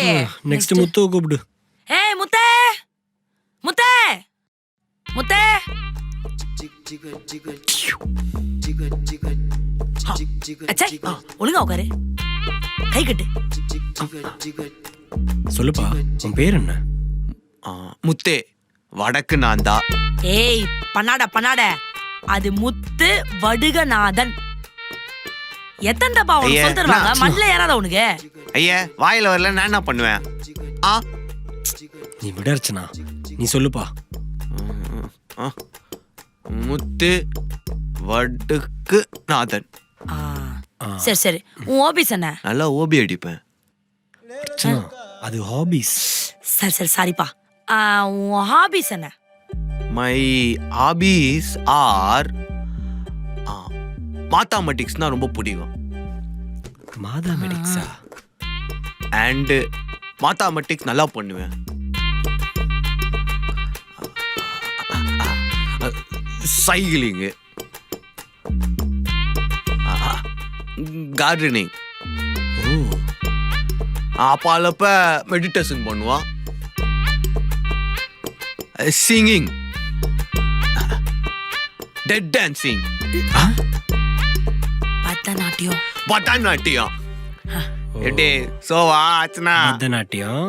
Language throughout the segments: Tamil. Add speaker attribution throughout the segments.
Speaker 1: நெக்ஸ்ட் முத்து கூப்பிடு.
Speaker 2: ஏய் முத்தே முத்தே முத்தே. அச்சே ஒழுங்கா உட்காரு, கை கட்டு.
Speaker 1: சொல்லுப்பா, உன் பேர் என்ன?
Speaker 3: முத்தே, வடக்கு நான்தா.
Speaker 2: ஏய் பண்ணாட, அது முத்து வடுகநாதன். எத்தனை தப்பா உனக்கு சொல்லி தருவாங்க? மண்ணில் ஏறாத உனக்கு.
Speaker 3: ஐயா வாயில வரல, நான் என்ன பண்ணுவேன்?
Speaker 1: நீ விட அர்ச்சனா, நீ சொல்லுப்பா.
Speaker 3: முத்து வடுக்கு நாதன்.
Speaker 2: சரி சரி, உன் ஹாபிஸ் என்ன?
Speaker 3: நல்லா ஓபி அடிப்பேன்.
Speaker 1: அர்ச்சனா, அது ஹாபிஸ்.
Speaker 2: சரி சரி சாரிப்பா. உன் ஹாபிஸ் என்ன?
Speaker 3: மை ஹாபிஸ் ஆர் மேத்தமெட்டிக்ஸ்னா ரொம்ப பிடிக்கும்.
Speaker 1: மேத்தமெட்டிக்ஸா?
Speaker 3: அண்ட் மேத்தமெட்டிக்ஸ் நல்லா பண்ணுவேன். சைக்கிளிங்கு, கார்டனிங், அப்பாலப்ப மெடிடேஷன் பண்ணுவான். சிங்கிங், டெட் டான்சிங், பரதநாட்டியம். எப்படி சோவா ஆச்சுனா?
Speaker 1: பரதநாட்டியம்.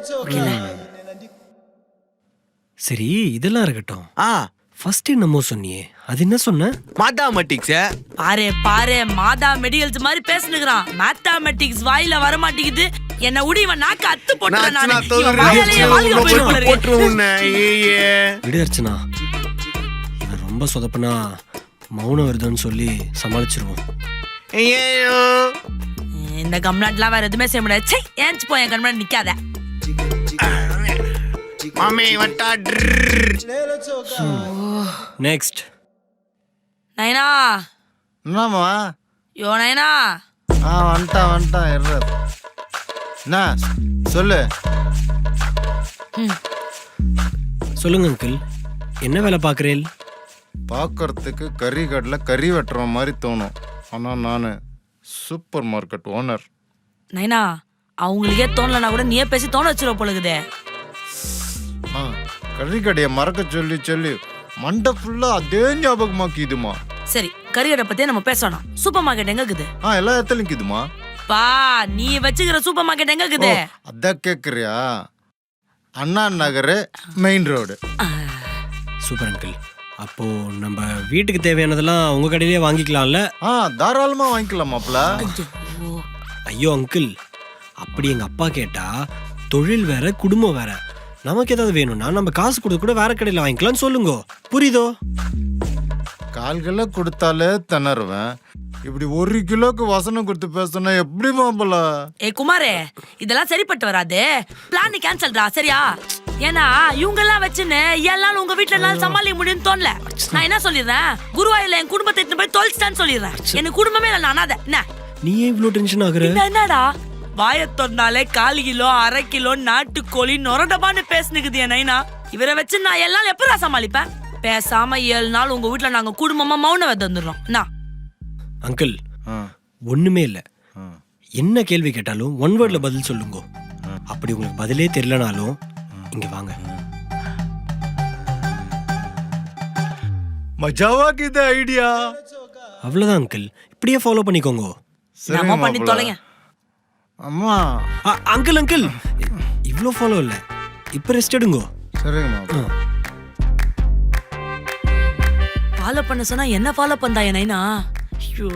Speaker 1: சரி, இதெல்லாம் இருக்கட்டும். ஃபர்ஸ்ட் என்னமோ சொன்னியே, அது என்ன சொன்ன?
Speaker 3: மேத்தமெட்டிக்ஸ்.
Speaker 2: பாரு மாதா மெடிக்கல்ஸ் மாதிரி பேசுனுக்குறான். மேத்தமெட்டிக்ஸ் வாயில வர மாட்டேங்குது. என்ன உடி, இவன் நாக்கு அத்து போட்டுறான். நான்
Speaker 1: விடு அர்ச்சனா, இவன் ரொம்ப சொதப்பனா மௌனம் வருதுன்னு சொல்லி சமாளிச்சிருவோம்.
Speaker 2: இந்த கம்நாட்லாம் வேற எதுவுமே செய்ய முடியாது. சே, ஏன்ச்சு போய் என் கண்முன்னாடி நிக்காத.
Speaker 1: நெக்ஸ்ட்.
Speaker 2: நைனா.
Speaker 4: என்னம்மா?
Speaker 2: யோ நைனா.
Speaker 4: வந்துட்டான் என்ன சொல்லு.
Speaker 1: சொல்லுங்க அங்கிள், என்ன வேலை பார்க்குறேன்?
Speaker 4: பார்க்கறதுக்கு கறி கடையில் கறி வெட்டுற மாதிரி தோணும். ஆனால் நான் சூப்பர் மார்க்கெட் ஓனர்.
Speaker 2: நைனா, அவங்களுக்கே தோணலனா கூட நீயே பேசி தோண வச்சிருவ போலுக்குதே.
Speaker 4: கறி கடையை மறக்க சொல்லி சொல்லி மண்டை ஃபுல்லா அதே ஞாபகமாக்கிதுமா.
Speaker 2: சரி, கறி கடை பத்தியே நம்ம பேசணும். சூப்பர் மார்க்கெட் எங்க இருக்குது?
Speaker 4: எல்லா இடத்துலயும் இருக்குதுமா.
Speaker 2: பா, நீ வச்சுக்கிற சூப்பர் மார்க்கெட் எங்க இருக்குது?
Speaker 4: அதான் கேக்குறியா? Anna Nagar main road.
Speaker 1: Super uncle. அப்போ நம்ம வீட்டுக்கு தேவையானதெல்லாம் உங்க கடையிலே வாங்கிக்கலாம்ல?
Speaker 4: தாராளமா வாங்கிக்கலாமாப்ல.
Speaker 1: ஐயோ அங்கிள், அப்படி எங்க அப்பா கேட்டா தொழில் வேற குடும்பம் வேற. நமக்கு ஏதாவது வேணும்னா நம்ம காசு கொடுத்து கூட வேற கடையில வாங்கிக்கலாம்னு சொல்லுங்க. புரியுதோ?
Speaker 4: கால்களை கொடுத்தாலே திணறுவேன். இப்படி 1 கிலோக்கு வசனம் கொடுத்து பேசினா எப்படி மாப்பிள்ள?
Speaker 2: குமாரே, இதெல்லாம் சரிப்பட்டு வராது. பிளான் கேன்சல்டா, சரியா? ஏன்னா இவங்க எல்லாம் வச்சுன்னு எல்லாரும் உங்க வீட்டுல எல்லாம் சமாளிக்க முடியும்னு தோணல. நான் என்ன சொல்லிடுறேன், குருவாயூர்ல என் குடும்பத்தை எடுத்து போய் தொலைச்சிட்டான்னு சொல்லிடுறேன். எனக்கு குடும்பமே இல்லை, நான் அனாதை. என்ன
Speaker 1: நீ இவ்ளோ டென்ஷன் ஆகுற?
Speaker 2: என்னடா வாய திறந்தாலே 1/4 கிலோ 1/2 கிலோ நாட்டுக்கோழி நொரடபான்னு பேசுனுக்குது என் நைனா. இவரை வச்சு நான் எல்லாம் எப்படா சமாளிப்பேன்? பேசாம 7 நாள் உங்க வீட்டுல நாங்க குடும்பமா மௌன விரதம் வந்துடுறோம்.
Speaker 1: அங்கிள், ஒண்ணுமே இல்ல. என்ன கேள்வி கேட்டாலும் 1 வேர்ட்ல பதில் சொல்லுங்க. அப்படி உங்களுக்கு பதிலே தெரியலனாலும் இங்க வாங்க.
Speaker 4: மஜாவாக்குது ஐடியா.
Speaker 1: அவ்வளவுதான் அங்கிள், இப்படியே ஃபாலோ பண்ணிக்கோங்க.
Speaker 2: நம்ம பண்ணி தொலைங்க.
Speaker 4: அம்மா.
Speaker 1: அங்கிள் இவ்ளோ ஃபாலோ இல்ல, இப்ப ரெஸ்ட் எடுங்க.
Speaker 4: சரிங்க.
Speaker 2: ஃபாலோ பண்ண சொன்னா என்ன ஃபாலோ பண்ணா என் நைனா? ஐயோ,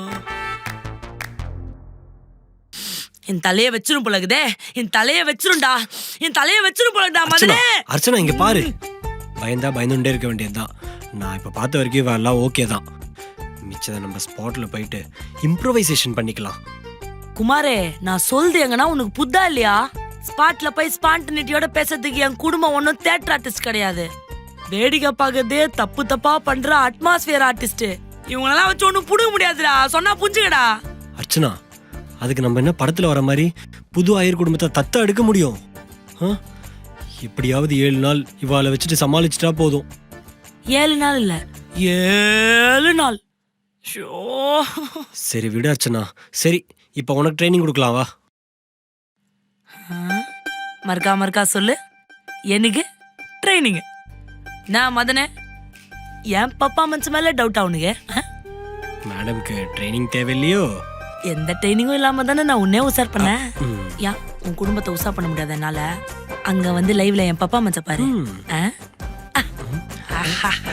Speaker 2: என் தலைய வச்சிரும் போலகுதே. என் தலைய வச்சிரும்டா, என் தலைய வச்சிரும் போலடா மதனே.
Speaker 1: அர்ச்சனா இங்க பாரு, பயந்தா பயந்துட்டே இருக்க வேண்டியதுதான். நான் இப்ப பார்த்த வரைக்கும் எல்லாம் ஓகே தான். மிச்சத நம்ம ஸ்பாட்ல போயிட்டு இம்ப்ரோவைசேஷன் பண்ணிக்கலாம்.
Speaker 2: குமாரே, நான் சொல்றது எங்கன்னா உனக்கு புத்தா இல்லையா? ஸ்பாட்ல போய் ஸ்பான்டினிட்டியோட பேசுறதுக்கு என் குடும்பம் ஒன்னும் தியேட்டர் ஆர்டிஸ்ட் கிடையாது. வேடிக்கை பார்க்கறதே தப்பா பண்ற அட்மாஸ்பியர் ஆர்டிஸ்ட். இவங்களெல்லாம் வச்சு ஒன்னும் புடுங்க முடியாதுடா, சொன்னா புரிஞ்சுக்கடா.
Speaker 1: அர்ச்சனா, அதுக்கு நம்ம என்ன படத்துல வர மாதிரி புது ஆயர் குடும்பத்தை தத்த எடுக்க முடியும்? இப்படியாவது 7 நாள் இவாளை வச்சுட்டு சமாளிச்சுட்டா போதும்.
Speaker 2: 7 நாள் இல்ல, 7 நாள்.
Speaker 1: சரி விடு அர்ச்சனா. சரி, இப்ப உனக்கு ட்ரைனிங் கொடுக்கலாம் வா.
Speaker 2: மறுக்கா சொல்லு. எனக்கு ட்ரைனிங். நான் மதனே என் பப்பா மனசு மேல டவுட் அவனுக்கு.
Speaker 1: மேடம்க்கு ட்ரைனிங் தேவையில்லையோ?
Speaker 2: எந்த ட்ரைனிங்கும் இல்லாம தானே நான் உன்னே உசார் பண்ணேன். ஏன் உன் குடும்பத்தை உசார் பண்ண முடியாது என்னால? அங்க வந்து லைவ்ல என் பப்பா மனச பாரு.